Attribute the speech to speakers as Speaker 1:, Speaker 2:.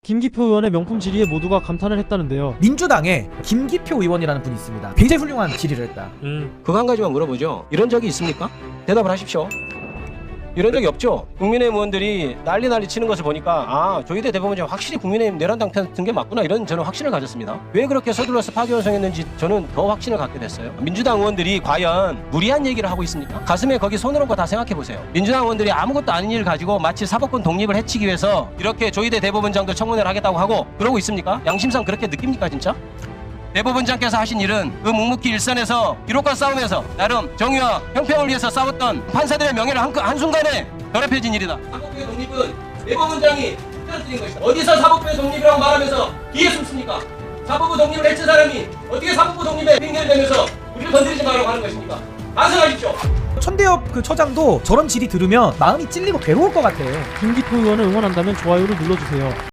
Speaker 1: 김기표 의원의 명품 질의에 모두가 감탄을 했다는데요.
Speaker 2: 민주당에 김기표 의원이라는 분이 있습니다. 굉장히 훌륭한 질의를 했다.
Speaker 3: 그거 한 가지만 물어보죠. 이런 적이 있습니까? 대답을 하십시오. 이런 적이 없죠. 국민의힘 의원들이 난리 치는 것을 보니까 아, 조희대 대법원장 확실히 국민의힘 내란당 편 든 게 맞구나, 이런 저는 확신을 가졌습니다. 왜 그렇게 서둘러서 파기환송했는지 저는 더 확신을 갖게 됐어요. 민주당 의원들이 과연 무리한 얘기를 하고 있습니까? 가슴에 거기 손을 얹고 다 생각해 보세요. 민주당 의원들이 아무것도 아닌 일을 가지고 마치 사법권 독립을 해치기 위해서 이렇게 조희대 대법원장도 청문회를 하겠다고 하고 그러고 있습니까? 양심상 그렇게 느낍니까 진짜? 대법원장께서 하신 일은 그 묵묵히 일선에서 기록과 싸움에서 나름 정의와 형평을 위해서 싸웠던 판사들의 명예를 한순간에 더럽혀진 일이다. 사법부의 독립은 대법원장이 틀어뜨린 것이다. 어디서 사법부의 독립이라고 말하면서 뒤에 숨습니까? 사법부 독립을 해친 사람이 어떻게 사법부 독립에 핑계를 대면서 우리를 건드리지 말라고 하는 것입니까? 반성하십시오.
Speaker 2: 천대엽 그 처장도 저런 질의 들으면 마음이 찔리고 괴로울 것 같아요.
Speaker 1: 김기표 의원을 응원한다면 좋아요를 눌러주세요.